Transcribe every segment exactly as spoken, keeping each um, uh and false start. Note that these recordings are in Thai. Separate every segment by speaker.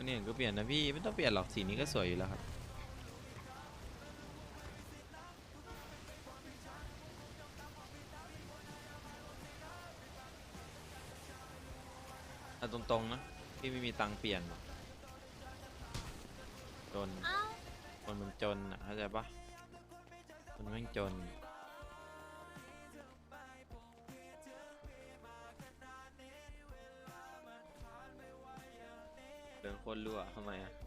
Speaker 1: เนี่ยก็เปลี่ยนนะพี่ไม่ต้องเปลี่ยนหรอกสีนี้ก็สวยอยู่แล้วครับเอาตรงๆนะพี่ไม่มีตังค์เปลี่ยนหรอกจนคนมันจนอ่ะเข้าใจปะคนแม่งจนเดินคนรั่วทำไมอ่ะ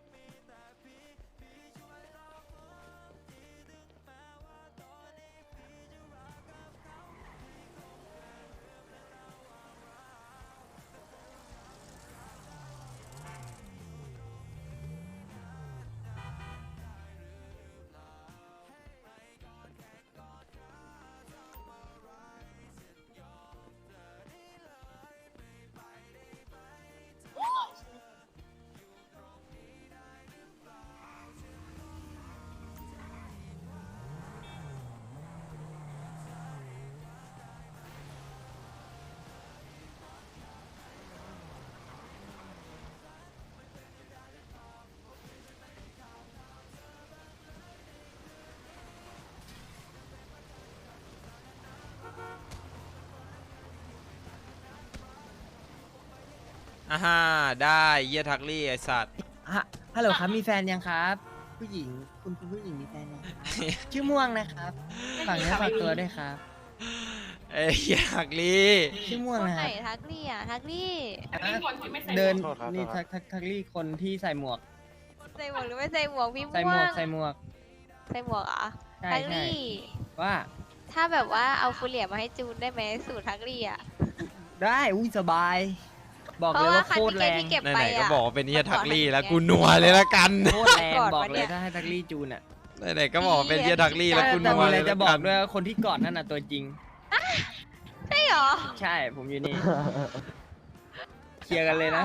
Speaker 1: อ่าฮ่าได้เยี่ยทักลี่ไอสัตว์
Speaker 2: ฮะฮัลโหลครับมีแฟนยังครับ ผู้หญิงคุณคุณผู้หญิงมีแฟนยังครับ ชื่อม่วงนะครับฝากเนื้อฝากตัวด้วยครับ
Speaker 1: เอ้ยเยี่ยทักลี่
Speaker 2: ชื่อม่วง
Speaker 3: คน
Speaker 2: นะ
Speaker 3: ไห
Speaker 2: คน รับ
Speaker 3: ทักลี่อ่ะทักลี่
Speaker 2: เดินนี่ทักทักทักลี่คนที่ใส่หมวก
Speaker 3: ใส่หมวกหรือไม่ใส่หมวกพี่ม่วง
Speaker 2: ใส่หมวกใส่หมวก
Speaker 3: ใส่หมวกเหรอ่ะ
Speaker 2: ใช่
Speaker 3: ทัก
Speaker 2: ใช่
Speaker 3: ลี่
Speaker 2: ว่า
Speaker 3: ถ้าแบบว่าเอาฟูเหลียมาให้จูนได้ไหมสูตรทักลี่อ่ะ
Speaker 2: ได้อุ้ยสบาย บอก
Speaker 3: เพ
Speaker 2: เลย
Speaker 3: ราะว่า
Speaker 2: ว่า
Speaker 3: คัน
Speaker 2: โคตรแร
Speaker 3: ที่
Speaker 2: ง
Speaker 3: เก็บ
Speaker 1: ไห
Speaker 3: ไป
Speaker 1: นๆก็
Speaker 3: อ่ะ
Speaker 1: บอกว่าเป็นเยี่ยทักลี่แล้ว
Speaker 3: ก่
Speaker 1: กู
Speaker 3: อน
Speaker 1: นัวเลยละกัน
Speaker 2: โคตรแรง
Speaker 3: กอด
Speaker 2: บอก
Speaker 3: ปะ
Speaker 2: เล
Speaker 3: เนี่ย ย
Speaker 2: ถ้าให้ทักลี่จูนอ่ะ
Speaker 1: ไหนๆก็บอกว่าเป็นเยี่ยทักลี่แล้วกู
Speaker 2: แต่
Speaker 1: นัว
Speaker 2: มีอะ
Speaker 1: เล
Speaker 2: ไร
Speaker 1: ย
Speaker 2: จะ
Speaker 1: ละ
Speaker 2: บอ
Speaker 1: กั
Speaker 2: ก
Speaker 1: น
Speaker 2: ด้วยว่าคนที่กอดนั่นน่ะตัวจริง
Speaker 3: ใช่เหรอ
Speaker 2: ใช่ผมอยู่นี่ เคลียร์กันเลยนะ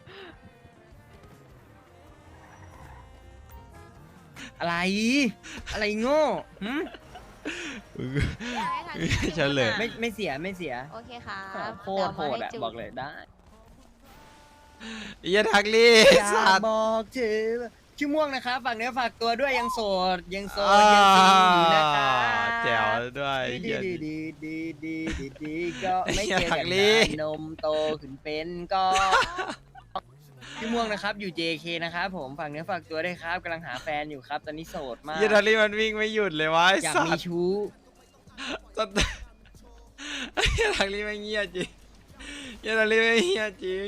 Speaker 2: อะไร อะไรโง่หึ
Speaker 1: เฉลย
Speaker 2: ไม่ไม่เสียไม่เสีย
Speaker 3: โอเคค่ะ
Speaker 2: โคตรโหดอ่ะบอกเลยได้
Speaker 1: เยี่ยทักลี่
Speaker 2: อยา
Speaker 1: สั
Speaker 2: ก
Speaker 1: ตว์
Speaker 2: บอกเธอชื่อม่วงนะครับฝากเนื้อฝากตัวด้วยยังโสดยังโส
Speaker 1: อ่า
Speaker 2: ดยังซีอยู่นะครับ
Speaker 1: แจ๋วด้วย
Speaker 2: ดี
Speaker 1: เยี่ย
Speaker 2: ดีดีดีดีดีดีก็ไม่เจอ
Speaker 1: อยา
Speaker 2: กั
Speaker 1: ก
Speaker 2: น
Speaker 1: รี
Speaker 2: นานนมโตขึ้นเป็นก็ชื่อม่วงนะครับอยู่ เจ เค นะครับผมฝากเนื้อฝากตัวด้วยครับกำลังหาแฟนอยู่ครับ ตอนนี้โสดมาก
Speaker 1: เยี่ยทักลี่มันวิ่งไม่หยุดเลยวะไอ้
Speaker 2: อยาก
Speaker 1: สั
Speaker 2: มี
Speaker 1: ตว์
Speaker 2: ชู้
Speaker 1: สัตว์เยี่ยทักลี่ไม่เงียจริงเยี่ยทักลี่ไม่เงียจริง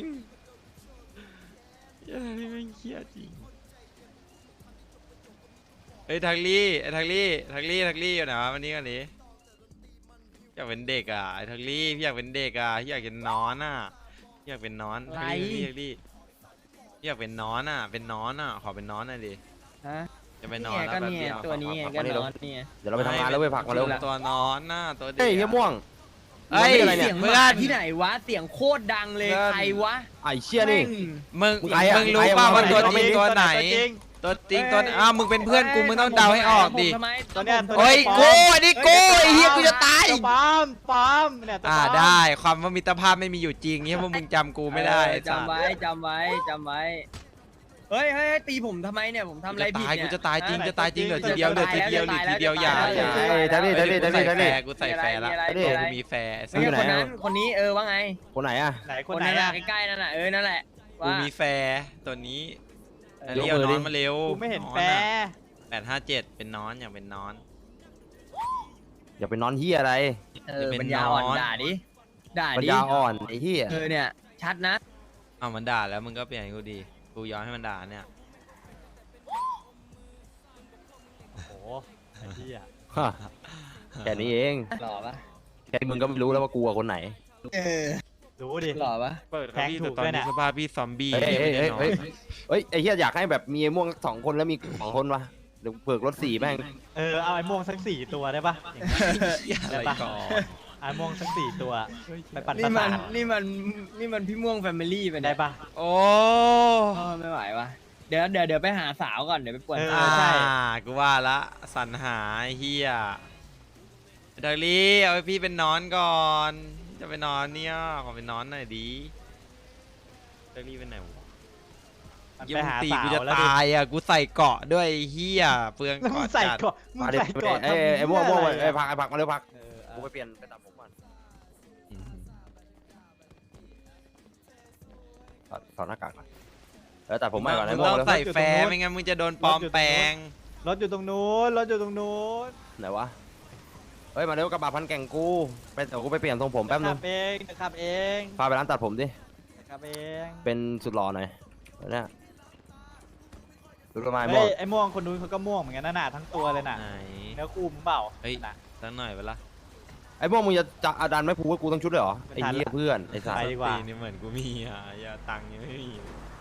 Speaker 1: เยี่ยทักลี่ไม่เงียจริงเฮ้ยทักลี่ไอ้ทักลี่ทักลี่ทักลี่อยู่ไหนวะวันนี้กันนี้อยากเป็นเด็กอ่ะไอ้ทักลี่พี่อยากเป็นเด็กอ่ะพี่อยากเป็นนอนอ่ะพี่อยากเป็นนอน
Speaker 2: อะไร
Speaker 1: ทักลี่ทักลี่พี่อยากเป็นนอนอ่ะเป็นนอนอ่ะขอเป็นนอนหน่อยดิ
Speaker 2: ฮะ
Speaker 1: จะไปน
Speaker 2: นี่
Speaker 1: อน
Speaker 2: ไง
Speaker 1: แล้ว
Speaker 2: ก็
Speaker 1: แป๊บ
Speaker 2: เนี่ย
Speaker 1: เดียว
Speaker 2: ตัวนี้ไงก็นอนเนี่ย
Speaker 4: เดี๋ยวเราไปทำงานแล้วไปผักมาเร็ว
Speaker 1: ตัวนอนน่ะตัวเด็ก
Speaker 4: เฮ้ยเฮียม่วง
Speaker 1: เฮ้ย
Speaker 4: อะไรเนี่ย
Speaker 2: เสียงห
Speaker 1: เพื่อ
Speaker 2: มาน ที่ไหนวะเสียงโคตรดังเลย
Speaker 1: เพื่อน
Speaker 2: ใครวะ
Speaker 4: ไอ้เชี่ยนี่
Speaker 2: แม่ง
Speaker 1: มึง
Speaker 4: ใครอะ
Speaker 1: มึงรู้
Speaker 4: ใครอะ
Speaker 1: ป่าว
Speaker 4: มึ
Speaker 1: ว่าง ตัว
Speaker 4: เอา
Speaker 1: จ
Speaker 4: ไม่
Speaker 1: ริง
Speaker 4: รู้
Speaker 1: ตัวไหน ตัวจริงตัวอ้าวมึงเป็นเพื่อนกูมึงต้องเดาให้ออกดิ
Speaker 2: ทำไม
Speaker 5: ตัวเนี้ย
Speaker 2: ทำไม
Speaker 1: โอ้ย
Speaker 5: ตัว
Speaker 1: กู
Speaker 5: เนี้
Speaker 1: อันนี้กูไอ้เหี้ยกูจะตาย
Speaker 5: ตัวปาล์มปาล์มเนี่ยตัว
Speaker 1: อ่า
Speaker 5: ปาล์ม
Speaker 1: ได้ความว่ามิตรภาพไม่มีอยู่จริงเฮียพวกมึงจำกูไม่ได้
Speaker 2: เออจำไว้จำไว้จำไว้เฮ้ยเฮ้ยเฮ้ยตีผมทำไมเนี่ยผมทำ
Speaker 1: กู
Speaker 2: อะไร
Speaker 1: จะ
Speaker 2: ผิด
Speaker 1: ตาย
Speaker 2: เนี่
Speaker 1: กู
Speaker 2: ย
Speaker 1: จะตายจริง
Speaker 2: ฮะ
Speaker 1: จะตายจริงเหลือที
Speaker 2: จะ
Speaker 1: เดียวเหลือ
Speaker 2: ตาย
Speaker 1: ทีเดียวเหลือ
Speaker 2: แล้ว
Speaker 1: ทีเดียวอย่า
Speaker 2: จะตายแล้ว
Speaker 1: อย่า
Speaker 4: เฮ้ยทักลี่ทักลี่ทักลี่ทักลี่
Speaker 1: กูใส่แฟร์ละ
Speaker 2: มีอะไร
Speaker 1: กู
Speaker 2: มีอะไร
Speaker 1: มีแฟร์
Speaker 2: ไม่ใช่คนนั้นคนนี้เออว่าไง
Speaker 4: คนไหนอะ
Speaker 5: ไหนค
Speaker 2: คน น
Speaker 5: ไหน
Speaker 2: นั้น
Speaker 5: อะ
Speaker 2: น่ะใกล้ๆนั่นน่ะเออนั่นแหละ
Speaker 1: กู
Speaker 2: ว่า
Speaker 1: มีแฟร์ตัวนี้
Speaker 2: เออ
Speaker 1: เรียวนอนมาเร็ว
Speaker 5: กูไม่เห็น
Speaker 1: อ
Speaker 5: แฟร์
Speaker 1: แปดห้าเจ็ดเป็นนอนอย่างเป็นนอน
Speaker 4: อย่าไปนอนเฮียอะไร
Speaker 2: เออปัญญาอ่อนด่าดิด่า
Speaker 4: ปัญ
Speaker 2: ดิ
Speaker 4: ญาอ่อนไอ้เฮีย
Speaker 2: เออเนี่ยชัดนะ
Speaker 1: เอามันด่าแล้วมึงก็เปลี่ยนให้กูดีกูยอมให้มันด่าเนี่ย
Speaker 5: โอ้โหไอ้เหี้ย
Speaker 4: ฮะแค่นี้เอง
Speaker 2: หล่อปะ
Speaker 4: แค่มึงก็ไม่รู้แล้วว่ากูกับคนไหน
Speaker 2: เออ
Speaker 5: รู้ดิ
Speaker 2: หล่อปะ
Speaker 1: เปิด
Speaker 5: แทงถูก
Speaker 1: ตอน
Speaker 5: ด้วย
Speaker 1: นี้
Speaker 5: เนี่ย
Speaker 1: สภาพพี่ซอมบี้
Speaker 4: เฮ้ย
Speaker 1: พี่
Speaker 4: เฮ้ย
Speaker 1: ไม่
Speaker 4: เฮ้ย
Speaker 1: ได้นอน
Speaker 4: เฮ้ยเฮ้ยไอ้เฮียอยากให้แบบมีไอ้ม่วงสองคนแล้วมีสองคนวะเดี๋ยวเผือกรถสี่แม่ง
Speaker 5: เออเอาไอ้ม่วงสักสี่ตัวได้ปะอย่างเงี้ย
Speaker 1: อะไรก่อน
Speaker 5: ไอ้ม่วงสักสี่ตัวไปปั่นป
Speaker 2: นี่
Speaker 5: ระ
Speaker 2: มั
Speaker 5: สาน ท
Speaker 2: นี่มันนี่มันพี่ม่วงแฟมิลี่ไป
Speaker 5: ได้
Speaker 2: เนี่ย
Speaker 5: ปะ
Speaker 1: โอ้
Speaker 2: เออไม่ไหววะเดี๋ยวเดี๋ยวเดี๋ยวไปหาสาวก่อนเดี๋ยวไปป่วน
Speaker 5: เออ
Speaker 2: สา
Speaker 1: อ่าว
Speaker 5: ใช่
Speaker 1: กูว่าละสรรหาไอ้เฮียดาลี่เอาไว้พี่เป็นนอนก่อน จะไปนอนเนี่ยขอเป็นนอนหน่อยดีดาลี่เป็นไหนวะ
Speaker 5: มัน
Speaker 1: ยัง
Speaker 5: ไปหา
Speaker 1: ตี
Speaker 5: สา
Speaker 1: กู
Speaker 5: ว
Speaker 1: จะ
Speaker 5: แล้วดิ
Speaker 1: ตายอ่ะกูใส่เกราะด้วยไอ้เฮียเปลือง
Speaker 5: แล้วมึง
Speaker 1: เกราะ
Speaker 5: ใส่
Speaker 1: จัด
Speaker 5: เกาะมึง
Speaker 4: มาดิ
Speaker 5: ใส่เกาะ
Speaker 4: ไอ้ไอ้ม่วง
Speaker 5: ทำ
Speaker 4: ม่วง
Speaker 5: เหี้ย
Speaker 4: ไอ้
Speaker 5: อะไร
Speaker 4: พักไอ้พักมาเร็วพัก
Speaker 5: เออ
Speaker 4: กูไปเปลี่ยนไปตัดผมก่อน
Speaker 1: อืม
Speaker 4: ถอดถอดหน้ากากก่อนเออตัดผมใหม่ก่อน
Speaker 1: มึ
Speaker 4: ไอ้
Speaker 1: ง
Speaker 4: ม่วง
Speaker 1: ต้อง
Speaker 4: เร็ว
Speaker 1: ใส่แฟร์ไม่งั้นมึงจะโดนปลอมแปลง
Speaker 5: รถอยู่ตรงนู้นรถอยู่ตรงนู้น
Speaker 4: ไหนวะเฮ้ยมาเร็วกระบะพันแก่งกูไปเดี๋ยวกูไปเปลี่ยนทรงผมแป๊บนึ
Speaker 5: ขั
Speaker 4: ง
Speaker 5: บเองขับเอง
Speaker 4: พาไปร้านตัดผมดิ
Speaker 5: ขับเอง
Speaker 4: เป็นสุดหล่อหน่อยเนี่ยดูทำไมม่
Speaker 5: เฮ้
Speaker 4: วง
Speaker 5: ยไอ้ม่วงคนนู้นเขาก็ม่วงเหมือนกันนะหนาทั้งตัวเลยน่ะ
Speaker 1: ไหน
Speaker 5: เนื้อคู่มึงเปล่า
Speaker 1: เฮ้ย
Speaker 5: น่ะ
Speaker 1: สักหน่อยเวลา
Speaker 4: ไอ้ม่วงมึงจะจะอาดันไม่พูดว่ากูต้องชุดเลยเหรอ
Speaker 5: ไม่
Speaker 4: ไอ้
Speaker 5: ทัน
Speaker 4: เหี้ย
Speaker 5: ละ
Speaker 4: เพื่อนไอ้สัส
Speaker 5: ไปดีกว่า
Speaker 1: ตีนี่เหมือนกูมีอ่ะอย่าตังค์ยังไม่มี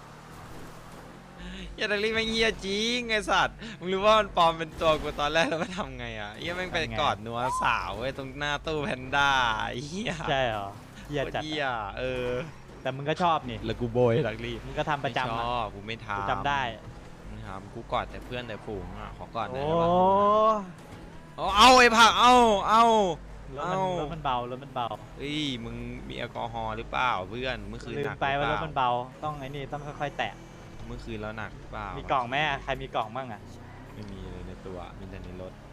Speaker 1: อย่าดักลี่แม่งเฮียจริงไอสัตว์มึงรู้ว่ามันปลอมเป็นตัวกูตอนแรกแล้วมันทำไงอ่ะเฮียแม่งไปกอดนัวสาวเว้ยตรงหน้าตู้แพนด้าเฮีย
Speaker 5: ใช่เหรอเหี้ย
Speaker 1: โคตร
Speaker 5: จัด
Speaker 1: เฮียเออ
Speaker 5: แต่มึงก็ชอบนี่
Speaker 1: แล้วกูโบยดักลี่
Speaker 5: มึงก็ทำประจำ
Speaker 1: ไม่ช
Speaker 5: อะ
Speaker 1: อบกูไม่ทำ
Speaker 5: กูจำได้
Speaker 1: ไม่ทำกูกอดแต่เพื่อนแต่ฝูงอ่ะขอกอดหน่
Speaker 5: โอ้
Speaker 1: อยได้ปะเอาเอาไอ้ผักเอาเอา
Speaker 5: รถมัน
Speaker 1: เอ้า
Speaker 5: รถมันเบารถมันเบา
Speaker 1: เฮ้ยมึงมีแอลกอฮอล์หรือเปล่าเพื่อนเมื่อคืน
Speaker 5: ลื
Speaker 1: ห
Speaker 5: ม
Speaker 1: นัก
Speaker 5: ไป
Speaker 1: หรือ
Speaker 5: ว่า
Speaker 1: เป
Speaker 5: ร
Speaker 1: ล่า
Speaker 5: ถมันเบาต้องไอ้นี่ต้องค่อยๆแตะ
Speaker 1: เมื่อคืนแล้วหนักหรือเปล่า
Speaker 5: มี
Speaker 1: มี
Speaker 5: กล่องไหมอะใครมีกล่องบ้างอะ
Speaker 1: ไม่มีเลยในตัวมีแต่ในรถ